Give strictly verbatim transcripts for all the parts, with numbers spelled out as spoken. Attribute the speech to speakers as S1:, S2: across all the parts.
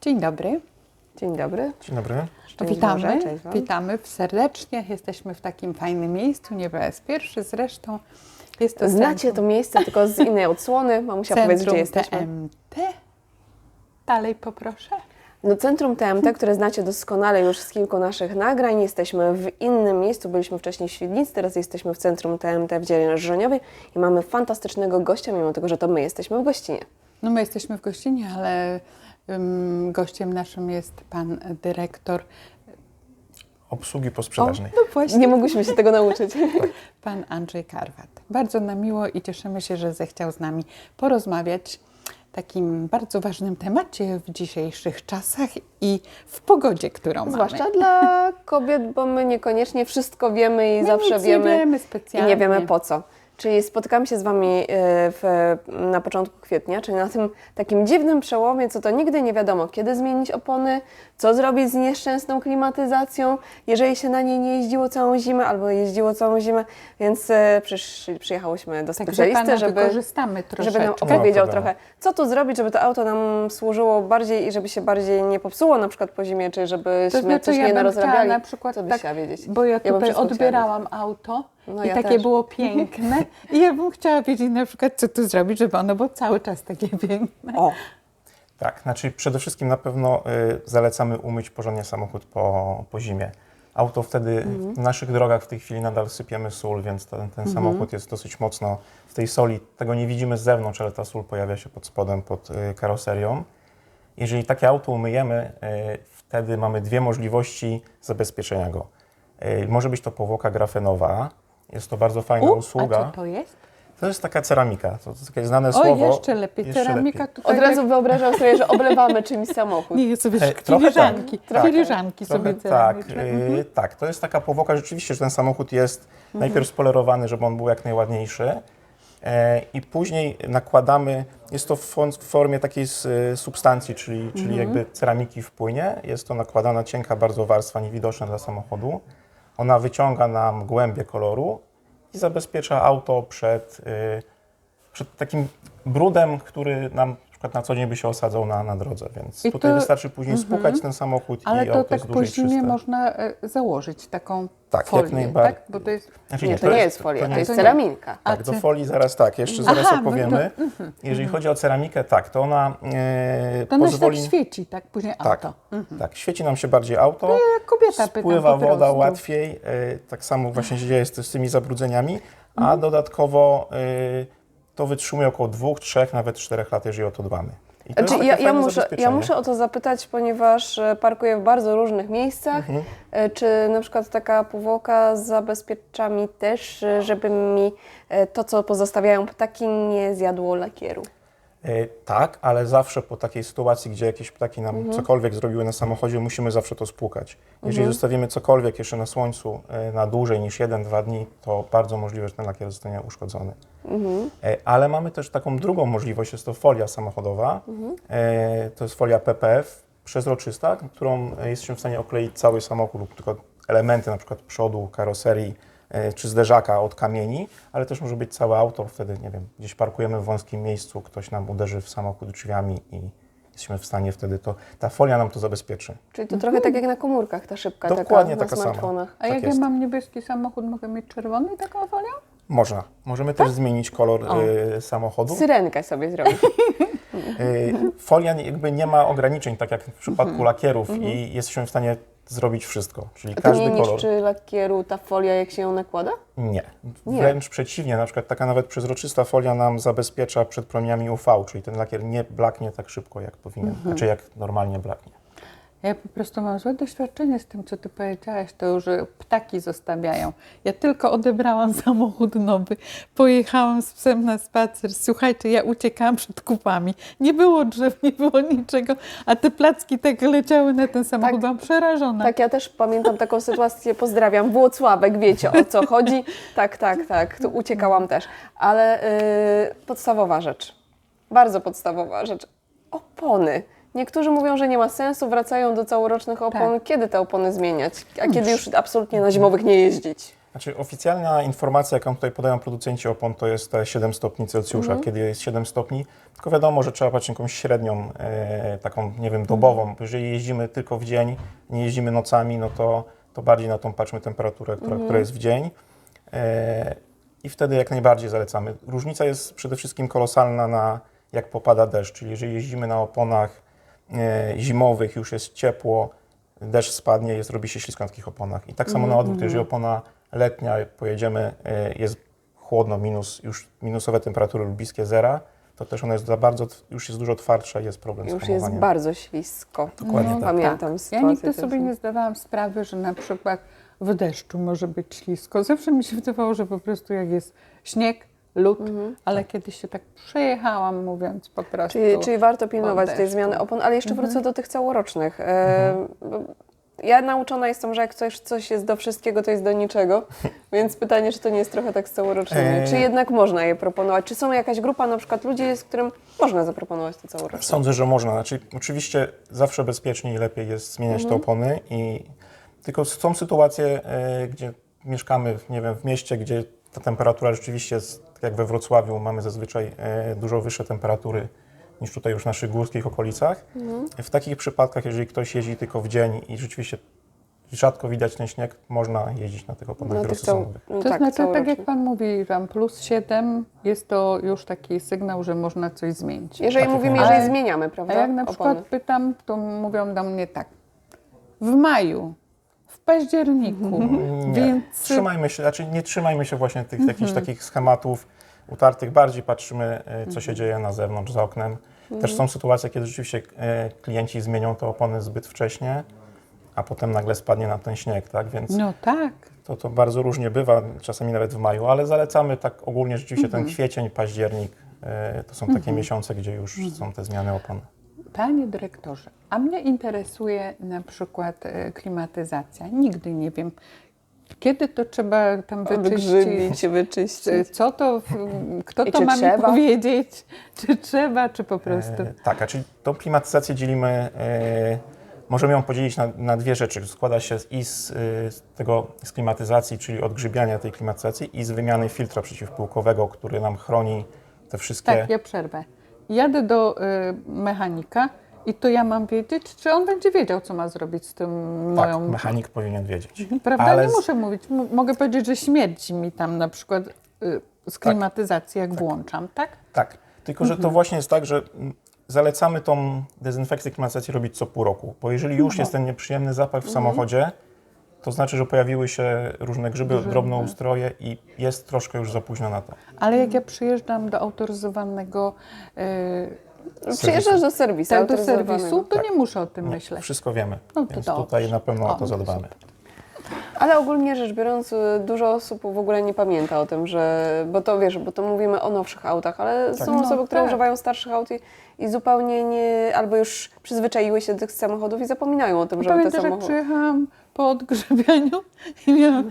S1: Dzień dobry.
S2: Dzień dobry.
S3: Dzień dobry.
S2: Szczęść
S1: Witamy,
S2: Boże, cześć wam.
S1: witamy serdecznie. Jesteśmy w takim fajnym miejscu, nie po raz pierwszy zresztą. Jest to
S2: Znacie
S1: centrum,
S2: to miejsce, tylko z innej odsłony. Mamusia, powiedz, gdzie jesteśmy.
S1: T M T. Dalej poproszę.
S2: No, Centrum T M T, które znacie doskonale już z kilku naszych nagrań. Jesteśmy w innym miejscu. Byliśmy wcześniej w Świdnicy, teraz jesteśmy w Centrum T M T w Dziele Żroniowej i mamy fantastycznego gościa, mimo tego, że to my jesteśmy w gościnie.
S1: No my jesteśmy w gościnie, ale um, gościem naszym jest pan dyrektor.
S3: Obsługi posprzedażnej.
S1: O, no właśnie.
S2: Nie mogliśmy się tego nauczyć.
S1: Pan Andrzej Karwat. Bardzo nam miło i cieszymy się, że zechciał z nami porozmawiać o takim bardzo ważnym temacie w dzisiejszych czasach i w pogodzie, którą
S2: Zwłaszcza
S1: mamy.
S2: dla kobiet, bo my niekoniecznie wszystko wiemy i
S1: My
S2: zawsze
S1: nic
S2: wiemy,
S1: nie wiemy
S2: i
S1: specjalnie.
S2: nie wiemy po co. Czyli spotykamy się z Wami w, na początku kwietnia, czyli na tym takim dziwnym przełomie, co to nigdy nie wiadomo, kiedy zmienić opony, co zrobić z nieszczęsną klimatyzacją, jeżeli się na niej nie jeździło całą zimę albo jeździło całą zimę, więc przysz, przyjechałyśmy do
S1: Także
S2: specjalisty,
S1: pana
S2: żeby,
S1: wykorzystamy troszeczkę.
S2: żeby nam
S3: Nie ma
S2: opowiedział
S3: problemu.
S2: trochę, co tu zrobić, żeby to auto nam służyło bardziej i żeby się bardziej nie popsuło na przykład po zimie, czy żebyśmy
S1: To znaczy,
S2: coś
S1: ja
S2: nie
S1: bym
S2: narozrabiali.
S1: chciała na przykład
S2: Co byś
S1: tak,
S2: chciała wiedzieć?
S1: bo ja
S2: Ja bym
S1: tutaj
S2: wszystko chciała
S1: odbierałam auto
S2: No
S1: i
S2: ja
S1: takie
S2: też.
S1: było piękne i ja bym chciała wiedzieć na przykład, co tu zrobić, żeby ono było cały czas takie piękne.
S2: O,
S3: Tak, znaczy przede wszystkim na pewno y, zalecamy umyć porządnie samochód po, po zimie. Auto wtedy, w naszych drogach w tej chwili nadal sypiemy sól, więc ten, ten samochód jest dosyć mocno w tej soli. Tego nie widzimy z zewnątrz, ale ta sól pojawia się pod spodem, pod y, karoserią. Jeżeli takie auto umyjemy, y, wtedy mamy dwie możliwości zabezpieczenia go. Y, może być to powłoka grafenowa. Jest to bardzo fajna
S1: U,
S3: usługa.
S1: a co to jest?
S3: To jest taka ceramika, to jest takie znane
S1: O,
S3: słowo.
S1: jeszcze lepiej.
S3: Jeszcze
S1: Ceramika
S3: lepiej.
S1: tutaj
S2: od razu wyobrażam sobie, że oblewamy czymś samochód.
S1: Nie, sobie
S3: E, trochę
S1: filiżanki,
S3: tak, tak.
S1: filiżanki
S3: Trochę
S1: sobie
S3: tak,
S1: ceramiczne. Mhm.
S3: y, tak, to jest taka powłoka rzeczywiście, że ten samochód jest najpierw spolerowany, żeby on był jak najładniejszy e, i później nakładamy, jest to w, fon- w formie takiej s- substancji, czyli, czyli jakby ceramiki w płynie, jest to nakładana cienka bardzo warstwa, niewidoczna dla samochodu. Ona wyciąga nam głębię koloru i zabezpiecza auto przed, y, przed takim brudem, który nam na przykład na co dzień by się osadzał na, na drodze, więc
S1: I
S3: tutaj
S1: to-
S3: wystarczy później spłukać ten samochód
S1: Ale
S3: i
S1: to
S3: auto
S1: tak
S3: jest
S1: po
S3: dłużej
S1: zimie
S3: czyste.
S1: można e, założyć taką
S3: Tak, jak
S1: folię,
S3: najbardziej.
S1: tak? Bo to jest...
S3: Znaczy,
S2: Nie, to nie jest folia, to
S3: nie
S2: jest
S1: nie.
S2: ceraminka.
S1: A
S3: Tak, do
S1: ty-
S3: folii zaraz tak, jeszcze zaraz
S1: Aha, no
S3: opowiemy.
S1: to-
S3: Jeżeli chodzi o ceramikę, tak, to ona e,
S1: To ona się
S3: pozwoli...
S1: tak świeci, tak? Później
S3: tak,
S1: auto.
S3: tak, świeci nam się bardziej auto,
S1: Jak kobieta pytam
S3: spływa
S1: po
S3: woda
S1: prostu.
S3: łatwiej, e, tak samo właśnie się dzieje z, z tymi zabrudzeniami, a dodatkowo e, to wytrzymuje około dwóch, trzech, nawet czterech lat, jeżeli o to dbamy. I to jest
S2: Znaczy,
S3: takie
S2: ja, ja,
S3: fajne
S2: muszę, ja
S3: zabezpieczenie.
S2: muszę o to zapytać, ponieważ e, parkuję w bardzo różnych miejscach. E, Czy na przykład taka powłoka zabezpiecza mi też, e, żeby mi e, to, co pozostawiają ptaki, nie zjadło lakieru?
S3: E, Tak, ale zawsze po takiej sytuacji, gdzie jakieś ptaki nam cokolwiek zrobiły na samochodzie, musimy zawsze to spłukać. Jeżeli zostawimy cokolwiek jeszcze na słońcu e, na dłużej niż jeden, dwa dni, to bardzo możliwe, że ten lakier zostanie uszkodzony. E, Ale mamy też taką drugą możliwość, jest to folia samochodowa. E, To jest folia P P F przezroczysta, którą jesteśmy w stanie okleić cały samochód lub tylko elementy, na przykład przodu, karoserii e, czy zderzaka od kamieni, ale też może być całe auto, wtedy, nie wiem, gdzieś parkujemy w wąskim miejscu, ktoś nam uderzy w samochód drzwiami i jesteśmy w stanie wtedy to, ta folia nam to zabezpieczy.
S2: Czyli to trochę tak jak na komórkach ta szybka
S3: Dokładnie
S2: taka
S3: taka
S2: na
S3: sama.
S2: smartfonach.
S1: A
S3: Tak
S1: jak
S3: jest.
S1: ja mam niebieski samochód, mogę mieć czerwony taką folią?
S3: Można. Możemy też zmienić kolor e, samochodu.
S2: Syrenkę sobie zrobić.
S3: Y, Folia nie- jakby nie ma ograniczeń, tak jak w przypadku lakierów i jesteśmy w stanie zrobić wszystko, czyli
S2: A to
S3: każdy
S2: nie
S3: kolor.
S2: niszczy lakieru ta folia, jak się ją nakłada?
S3: Nie.
S2: Nie.
S3: Wręcz przeciwnie, na przykład taka nawet przezroczysta folia nam zabezpiecza przed promieniami U V, czyli ten lakier nie blaknie tak szybko, jak powinien, znaczy jak normalnie blaknie.
S1: Ja po prostu mam złe doświadczenie z tym, co ty powiedziałaś, to już że ptaki zostawiają. Ja tylko odebrałam samochód nowy, pojechałam z psem na spacer. Słuchajcie, ja uciekałam przed kupami. Nie było drzew, nie było niczego, a te placki tak leciały na ten samochód.
S2: Tak.
S1: Byłam przerażona.
S2: Tak, ja też pamiętam taką sytuację, pozdrawiam, Włocławek, wiecie o co chodzi. Tak, tak, tak, tu uciekałam też. Ale yy, podstawowa rzecz, bardzo podstawowa rzecz, opony. Niektórzy mówią, że nie ma sensu, wracają do całorocznych opon.
S1: Tak.
S2: Kiedy te opony zmieniać? A kiedy już absolutnie na zimowych nie jeździć?
S3: Znaczy oficjalna informacja, jaką tutaj podają producenci opon, to jest te siedem stopni Celsjusza,
S2: Mhm.
S3: kiedy jest siedem stopni. Tylko wiadomo, że trzeba patrzeć jakąś średnią, e, taką, nie wiem, dobową. Bo jeżeli jeździmy tylko w dzień, nie jeździmy nocami, no to, to bardziej na tą patrzmy temperaturę, która, która jest w dzień. E, I wtedy jak najbardziej zalecamy. Różnica jest przede wszystkim kolosalna na jak popada deszcz, czyli jeżeli jeździmy na oponach e, zimowych, już jest ciepło, deszcz spadnie, jest, robi się ślisko na takich oponach. I tak samo na odwrót, jeżeli opona letnia, jak pojedziemy, e, jest chłodno, minus, już minusowe temperatury lub bliskie zera, to też ona jest za bardzo, już jest dużo twardsza i jest problem z
S2: Już
S3: hamowaniem.
S2: jest bardzo ślisko.
S3: Dokładnie tak.
S2: Pamiętam
S1: Ja
S2: sytuację.
S1: nigdy
S2: też.
S1: sobie nie zdawałam sprawy, że na przykład w deszczu może być ślisko. Zawsze mi się wydawało, że po prostu jak jest śnieg, lód, ale kiedyś się tak przejechałam, mówiąc po prostu.
S2: Czyli, czyli warto pilnować
S1: od
S2: tej
S1: deszczu.
S2: zmiany opon, ale jeszcze wrócę do tych całorocznych. E, bo Ja nauczona jestem, że jak coś, coś jest do wszystkiego, to jest do niczego, więc pytanie, czy to nie jest trochę tak z całorocznymi.
S3: Eee.
S2: Czy jednak można je proponować? Czy są jakaś grupa na przykład ludzi, z którym można zaproponować te całoroczne?
S3: Sądzę, że można. Znaczy, oczywiście zawsze bezpieczniej i lepiej jest zmieniać te opony. I tylko są sytuacje, e, gdzie mieszkamy, nie wiem, w mieście, gdzie ta temperatura rzeczywiście jest, tak jak we Wrocławiu, mamy zazwyczaj e, dużo wyższe temperatury niż tutaj już w naszych górskich okolicach. W takich przypadkach, jeżeli ktoś jeździ tylko w dzień i rzeczywiście rzadko widać ten śnieg, można jeździć na tych oponach
S2: Na tych cał...
S3: wielosezonowych.
S2: no
S1: To
S2: tak,
S1: znaczy, tak
S2: całorocznych.
S1: jak Pan mówi, tam plus siedem jest to już taki sygnał, że można coś zmienić.
S2: Jeżeli
S3: Tak,
S2: mówimy,
S3: jak
S2: jeżeli
S1: Ale-
S2: zmieniamy,
S1: A
S2: prawda?
S1: jak na przykład
S2: opony.
S1: pytam, to mówią do mnie tak, w maju, w październiku,
S3: Nie,
S1: więc
S3: trzymajmy się, znaczy nie trzymajmy się właśnie tych jakichś takich schematów utartych, bardziej patrzymy, e, co się dzieje na zewnątrz, za oknem. Też są sytuacje, kiedy rzeczywiście e, klienci zmienią te opony zbyt wcześnie, a potem nagle spadnie nam ten śnieg, tak? Więc
S1: no tak.
S3: to, to bardzo różnie bywa, czasami nawet w maju, ale zalecamy tak ogólnie rzeczywiście ten kwiecień, październik, e, to są takie miesiące, gdzie już są te zmiany opon.
S1: Panie dyrektorze, a mnie interesuje na przykład e, klimatyzacja. Nigdy nie wiem, kiedy to trzeba tam wyczyścić,
S2: Wygrzybić, wyczyścić.
S1: czy co to, w- kto
S2: I
S1: to
S2: czy
S1: ma
S2: trzeba?
S1: mi powiedzieć, czy trzeba, czy po prostu.
S3: E, tak, a czyli tą klimatyzację dzielimy, e, możemy ją podzielić na, na dwie rzeczy. Składa się z, i z, e, z tego z klimatyzacji, czyli odgrzybiania tej klimatyzacji, i z wymiany filtra przeciwpyłkowego, który nam chroni te wszystkie...
S1: Tak, ja przerwę. Jadę do y, mechanika i to ja mam wiedzieć, czy on będzie wiedział, co ma zrobić z tym
S3: Tak,
S1: moją...
S3: mechanik powinien wiedzieć.
S1: Prawda?
S3: Ale
S1: Nie
S3: z-
S1: muszę mówić. M- mogę powiedzieć, że śmierdzi mi tam na przykład y, z klimatyzacji, jak włączam, tak?
S3: Tak, tylko że to właśnie jest tak, że mm, zalecamy tą dezynfekcję klimatyzacji robić co pół roku, bo jeżeli już jest ten nieprzyjemny zapach w samochodzie, to znaczy, że pojawiły się różne grzyby, drobnoustroje i jest troszkę już za późno na to.
S1: Ale jak ja przyjeżdżam do autoryzowanego y,
S2: Przyjeżdżasz do serwisu,
S1: tak, do
S2: autoryzowanego.
S1: serwisu, to
S3: Tak.
S1: nie muszę o tym
S3: Nie,
S1: myśleć.
S3: wszystko wiemy,
S1: No to
S3: więc
S1: dobrze.
S3: tutaj na pewno o
S1: O,
S3: to zadbamy.
S2: Ale ogólnie rzecz biorąc, y, dużo osób w ogóle nie pamięta o tym, że, bo to wiesz, bo to mówimy o nowszych autach, ale są
S1: No
S2: osoby, które
S1: tak.
S2: używają starszych aut i, i zupełnie nie, albo już przyzwyczaiły się do tych samochodów i zapominają o tym, żeby te
S1: Pamiętasz, jak
S2: samochody...
S1: przyjechałam po odgrzybianiu i miałam,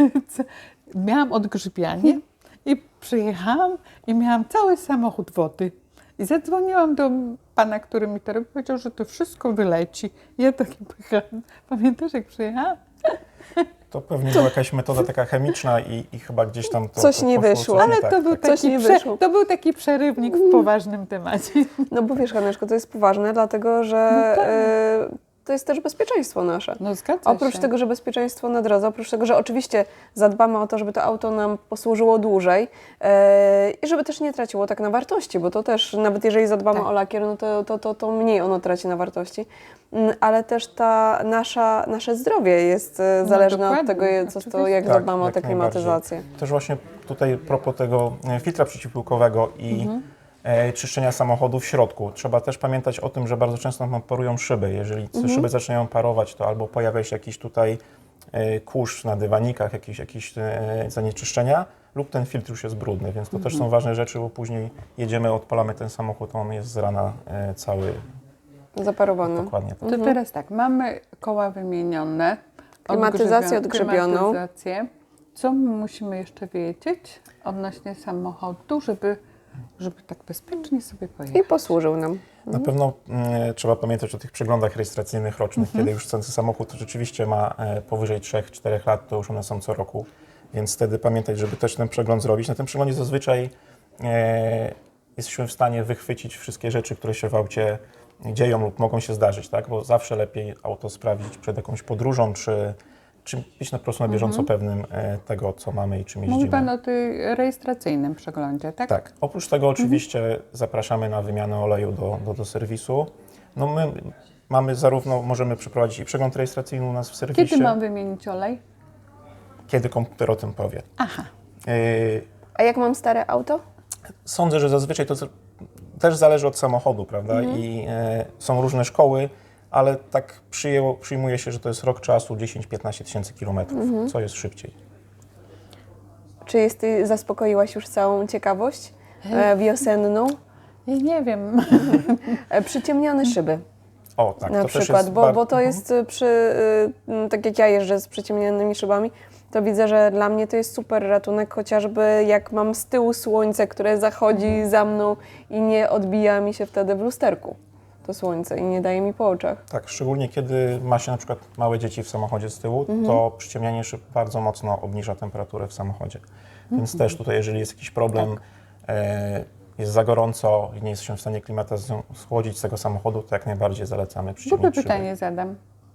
S1: miałam odgrzybianie i przyjechałam i miałam cały samochód wody. I zadzwoniłam do pana, który mi to robił, powiedział, że to wszystko wyleci. Ja taki pychałam. Pamiętasz, jak przyjechałam?
S3: To pewnie była jakaś metoda taka chemiczna i, i chyba gdzieś tam to
S2: Coś
S3: to
S2: nie
S3: poszło,
S2: wyszło.
S3: coś
S1: Ale
S3: nie tak,
S1: to, był
S3: tak.
S2: Coś
S1: taki
S2: nie
S1: prze,
S2: wyszło.
S1: to był taki przerywnik w poważnym temacie.
S2: No bo wiesz, Haneczko, to jest poważne, dlatego że
S1: No tak.
S2: y, to jest też bezpieczeństwo nasze.
S1: No zgadza
S2: Oprócz
S1: się.
S2: tego, że bezpieczeństwo na drodze, oprócz tego, że oczywiście zadbamy o to, żeby to auto nam posłużyło dłużej e, i żeby też nie traciło tak na wartości, bo to też, nawet jeżeli zadbamy
S1: Tak.
S2: o lakier, no to, to, to, to mniej ono traci na wartości. Mm, Ale też ta nasza, nasze zdrowie jest e,
S1: No
S2: zależne od
S1: dokładnie,
S2: tego, je- co, to,
S1: oczywiście.
S2: jak
S3: Tak,
S2: zadbamy o
S3: jak
S2: tę
S3: najbardziej.
S2: klimatyzację.
S3: Też właśnie tutaj propos tego e, filtra przeciwpyłkowego i
S1: Mhm.
S3: e, czyszczenia samochodu w środku. Trzeba też pamiętać o tym, że bardzo często nam parują szyby. Jeżeli te
S1: Mhm.
S3: szyby zaczynają parować, to albo pojawia się jakiś tutaj e, kurz na dywanikach, jakieś, jakieś e, zanieczyszczenia, lub ten filtr już jest brudny, więc to
S1: Mhm.
S3: też są ważne rzeczy, bo później jedziemy, odpalamy ten samochód, on jest z rana e, cały
S2: Zaparowany.
S3: dokładnie. Tak.
S1: To teraz tak, mamy koła wymienione.
S2: Klimatyzację
S1: odgrzewia-
S2: odgrzebioną.
S1: klimatyzację. Co my musimy jeszcze wiedzieć odnośnie samochodu, żeby, żeby tak bezpiecznie sobie
S2: I
S1: pojechać?
S2: posłużył nam.
S3: Na pewno mm, trzeba pamiętać o tych przeglądach rejestracyjnych rocznych, kiedy już ten samochód rzeczywiście ma e, powyżej trzech czterech lat, to już one są co roku. Więc wtedy pamiętać, żeby też ten przegląd zrobić. Na tym przeglądzie zazwyczaj e, jesteśmy w stanie wychwycić wszystkie rzeczy, które się w aucie dzieją lub mogą się zdarzyć, tak? Bo zawsze lepiej auto sprawdzić przed jakąś podróżą, czy, czy być na prostu na bieżąco pewnym e, tego, co mamy i czym jeździmy.
S1: Mówi Pan o tym rejestracyjnym przeglądzie, tak?
S3: Tak. Oprócz tego oczywiście zapraszamy na wymianę oleju do, do, do serwisu. No my mamy zarówno, możemy przeprowadzić i przegląd rejestracyjny u nas w serwisie.
S1: Kiedy mam wymienić olej?
S3: Kiedy komputer o tym powie.
S1: Aha.
S3: Yy,
S2: A jak mam stare auto?
S3: Sądzę, że zazwyczaj to z- też zależy od samochodu, prawda? I e, są różne szkoły, ale tak przyjęło, przyjmuje się, że to jest rok czasu, dziesięć do piętnastu tysięcy kilometrów, co jest szybciej.
S2: Czy jest, ty zaspokoiłaś już całą ciekawość e, wiosenną?
S1: Ja nie wiem.
S2: E, przyciemnione szyby
S3: O, tak,
S2: na
S3: to też
S2: przykład,
S3: jest
S2: bo,
S3: bar-
S2: bo to jest y, przy, y, tak jak ja jeżdżę z przyciemnionymi szybami, to widzę, że dla mnie to jest super ratunek, chociażby jak mam z tyłu słońce, które zachodzi za mną i nie odbija mi się wtedy w lusterku to słońce i nie daje mi po oczach.
S3: Tak, szczególnie kiedy ma się na przykład małe dzieci w samochodzie z tyłu, to przyciemnianie szyb bardzo mocno obniża temperaturę w samochodzie. Więc też tutaj, jeżeli jest jakiś problem, e, jest za gorąco i nie jesteśmy w stanie klimatyzacją schłodzić z tego samochodu, to jak najbardziej zalecamy
S1: Głupie
S3: przyciemnić szyby.
S1: pytanie zadam.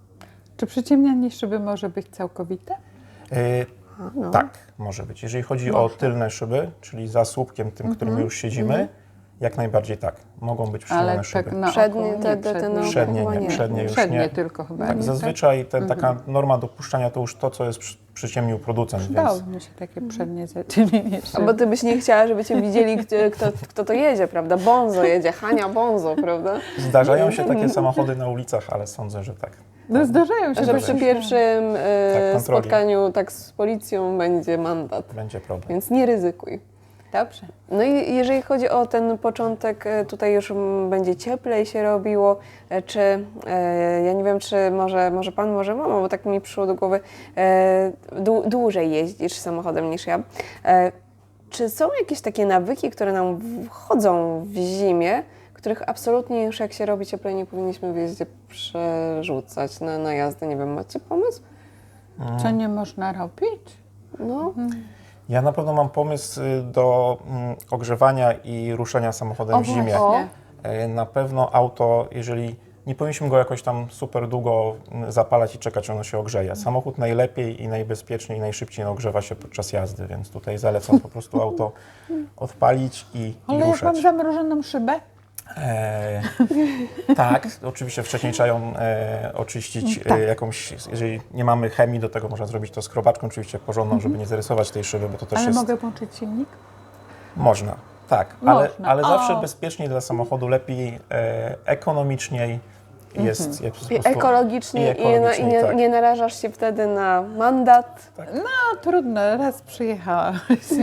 S1: Czy przyciemnianie szyby może być całkowite?
S3: E,
S2: No.
S3: Tak, może być. Jeżeli chodzi o tylne szyby, czyli za słupkiem tym, którym już siedzimy, jak najbardziej tak. Mogą być przyciemnione
S1: Ale
S3: szyby.
S1: tak na
S2: Przednie,
S1: oko,
S2: te-
S1: nie,
S2: te- te na oko
S3: Przednie
S2: chyba
S3: nie,
S2: nie.
S3: przednie już
S1: Przednie
S3: nie.
S1: tylko chyba.
S3: Tak,
S1: nie,
S3: zazwyczaj ten, taka norma dopuszczania to już to, co jest przy, przyciemnił producent,
S1: Dało
S3: więc
S1: mi się takie przednie zaciemnienie
S2: A bo
S1: szyby.
S2: ty byś nie chciała, żeby cię widzieli, kto, kto, kto to jedzie, prawda? Bonzo jedzie, Hania Bonzo, prawda?
S3: zdarzają się takie samochody na ulicach, ale sądzę, że tak.
S1: No zdarzają się.
S2: Że
S1: bo
S2: przy
S1: się-
S2: pierwszym e,
S3: Tak, kontroli.
S2: spotkaniu tak z policją będzie mandat,
S3: Będzie problem.
S2: więc nie ryzykuj.
S1: Dobrze.
S2: No i jeżeli chodzi o ten początek, e, tutaj już mm, będzie cieplej się robiło, e, czy, e, ja nie wiem, czy może, może pan, może mama, bo tak mi przyszło do głowy, e, dłu- dłużej jeździsz samochodem niż ja. E, czy są jakieś takie nawyki, które nam wchodzą w zimie, których absolutnie już jak się robi cieplej, nie powinniśmy w jeździe przerzucać na, na jazdę? Nie wiem, macie pomysł?
S1: Co nie można robić?
S2: No,
S3: Ja na pewno mam pomysł y, do mm, ogrzewania i ruszania samochodem
S1: O,
S3: w zimie.
S1: właśnie.
S3: E, Na pewno auto, jeżeli nie powinniśmy go jakoś tam super długo mm, zapalać i czekać, ono się ogrzeje. Samochód najlepiej i najbezpieczniej i najszybciej ogrzewa się podczas jazdy, więc tutaj zalecam po prostu auto odpalić i, i
S1: Ale jak mam
S3: ruszać.
S1: zamrożoną szybę?
S3: E, tak, oczywiście wcześniej trzeba ją e, oczyścić
S1: Tak.
S3: e, jakąś, jeżeli nie mamy chemii, do tego można zrobić to skrobaczką, oczywiście porządną, żeby nie zarysować tej szyby, bo to też
S1: Ale
S3: jest...
S1: mogę włączyć silnik?
S3: Można, tak, ale,
S1: Można.
S3: ale
S1: O.
S3: zawsze bezpieczniej dla samochodu, lepiej, e, ekonomiczniej jest, jest po
S2: i
S3: prostu-
S2: ekologicznie i,
S3: i
S2: na, i
S3: ekologicznie,
S2: nie,
S3: tak.
S2: nie narażasz się wtedy na mandat.
S1: No trudno, raz przyjechałam.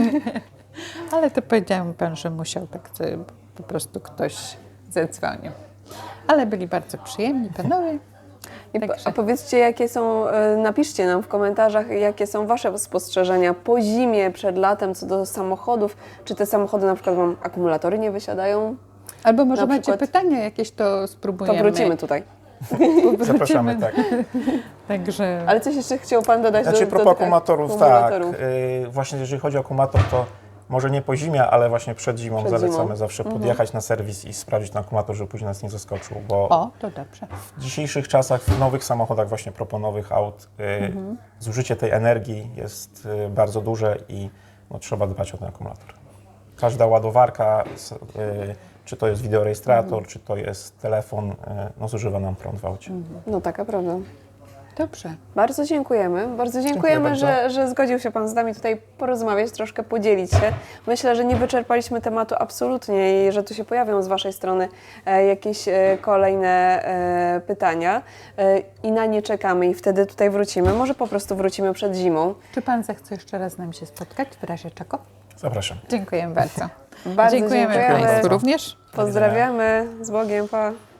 S1: Ale to powiedział mi pan, że musiał tak sobie po prostu ktoś zadzwonił. Ale byli bardzo przyjemni panowie.
S2: I po,
S1: Także-
S2: a powiedzcie, jakie są, e, napiszcie nam w komentarzach, jakie są Wasze spostrzeżenia po zimie, przed latem, co do samochodów. Czy te samochody na przykład wam akumulatory nie wysiadają?
S1: Albo może
S2: Na
S1: macie
S2: przykład-
S1: pytania jakieś, to
S2: To
S1: spróbujemy.
S2: wrócimy tutaj.
S1: Wrócimy.
S3: Zapraszamy, tak.
S1: Także
S2: Ale coś jeszcze chciał Pan dodać
S3: Znaczy,
S2: do,
S3: propos
S2: do tych
S3: akumulatorów,
S2: akumulatorów?
S3: tak, y, właśnie jeżeli chodzi o akumulator, to może nie po zimie, ale właśnie przed zimą
S2: Przed
S3: zalecamy
S2: zimą.
S3: zawsze podjechać na serwis i sprawdzić ten akumulator, żeby później nas nie zaskoczył, bo
S1: o, to dobrze.
S3: w dzisiejszych czasach, w nowych samochodach, właśnie propos nowych aut, y, zużycie tej energii jest y, bardzo duże i no, trzeba dbać o ten akumulator. Każda ładowarka, s- y, czy to jest wideorejestrator, czy to jest telefon, y, no, zużywa nam prąd w aucie.
S2: No taka prawda.
S1: Dobrze.
S2: Bardzo dziękujemy. Bardzo dziękujemy,
S3: bardzo.
S2: że, że zgodził się Pan z nami tutaj porozmawiać, troszkę podzielić się. Myślę, że nie wyczerpaliśmy tematu absolutnie i że tu się pojawią z Waszej strony e, jakieś e, kolejne e, pytania e, i na nie czekamy i wtedy tutaj wrócimy. Może po prostu wrócimy przed zimą.
S1: Czy pan zechce jeszcze raz z nami się spotkać w razie czego?
S3: Zapraszam.
S1: Dziękujemy bardzo.
S2: Bardzo
S1: dziękujemy
S2: dziękujemy.
S1: Państwu również.
S2: Pozdrawiamy. Z Bogiem. Pa.